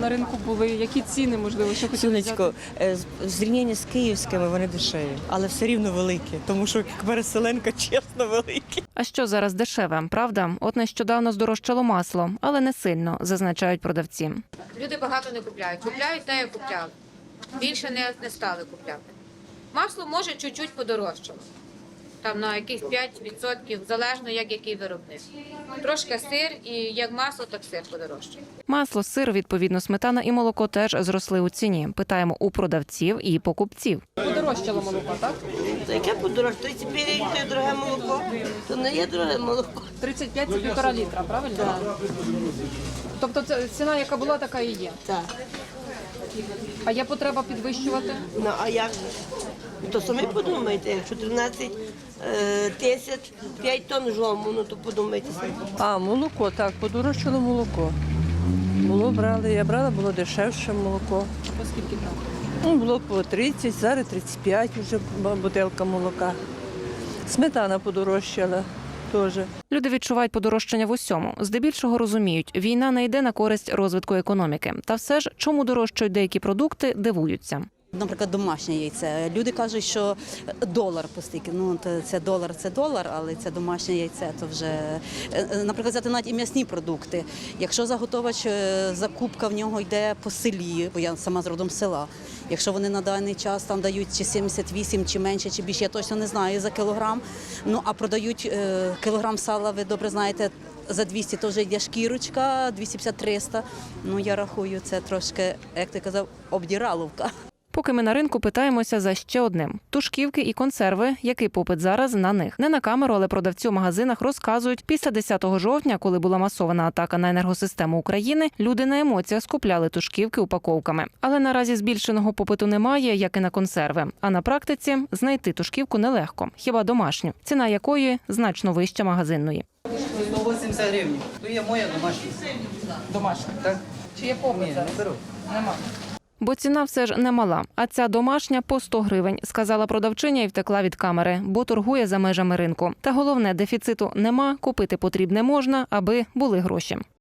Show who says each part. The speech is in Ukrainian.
Speaker 1: На ринку були, які ціни, можливо, що хотіли взяти?
Speaker 2: Сонечко, в зрівнянні з київськими вони дешеві, але все рівно великі, тому що як переселенка, чесно, великі.
Speaker 3: А що зараз дешеве, правда? От нещодавно здорожчало масло, але не сильно, зазначають продавці.
Speaker 4: Люди багато не купляють. Купляють те, як купляли. Більше не стали купляти. Масло може чуть-чуть подорожчало. Там на якісь 5%, залежно як який виробник. Трошки сир, і як масло, так сир подорожчає.
Speaker 3: Масло, сир, відповідно, сметана і молоко теж зросли у ціні. Питаємо у продавців і покупців.
Speaker 1: Подорожчало молоко, так?
Speaker 5: Та яке подорожче? 35 – це дороге молоко, то не є дороге молоко.
Speaker 1: 35 – це 1,5 літра, правильно?
Speaker 5: Так.
Speaker 1: Тобто це ціна, яка була, така і є.
Speaker 5: Так.
Speaker 1: А є потреба підвищувати?
Speaker 5: Ну, а як же? То самі подумайте, якщо 13 тисяч, 5 тонн жому, ну то подумайте самі.
Speaker 6: А, молоко, так, подорожчало молоко. Я брала, було дешевше молоко.
Speaker 1: По скільки там?
Speaker 6: Ну, було по 30, зараз 35 вже бутилка молока. Сметана подорожчала теж.
Speaker 3: Люди відчувають подорожчання в усьому. Здебільшого розуміють, війна не йде на користь розвитку економіки. Та все ж, чому дорожчають деякі продукти, дивуються.
Speaker 7: Наприклад, домашнє яйце. Люди кажуть, що долар постільки. Ну, це долар, але це домашнє яйце, то вже, наприклад, взяти навіть і м'ясні продукти. Якщо заготовач, закупка в нього йде по селі, бо я сама з родом села, якщо вони на даний час там дають чи 78, чи менше, чи більше, я точно не знаю за кілограм, ну, а продають кілограм сала, ви добре знаєте, за 200 теж йде шкірочка, 250-300. Ну, я рахую, це трошки, як ти казав, обдіраловка.
Speaker 3: Поки ми на ринку питаємося за ще одним – тушківки і консерви, який попит зараз на них. Не на камеру, але продавці у магазинах розказують, після 10 жовтня, коли була масована атака на енергосистему України, люди на емоціях скупляли тушківки упаковками. Але наразі збільшеного попиту немає, як і на консерви. А на практиці знайти тушківку нелегко, хіба домашню, ціна якої значно вища магазинної.
Speaker 8: 180 гривень. То є моя домашня.
Speaker 1: Домашня.
Speaker 8: Так?
Speaker 1: Чи є попит
Speaker 8: Ні,
Speaker 1: зараз?
Speaker 8: не беру.
Speaker 1: Нема.
Speaker 3: Бо ціна все ж немала, а ця домашня по 100 гривень, сказала продавчиня і втекла від камери, бо торгує за межами ринку. Та головне, дефіциту нема, купити потрібне можна, аби були гроші.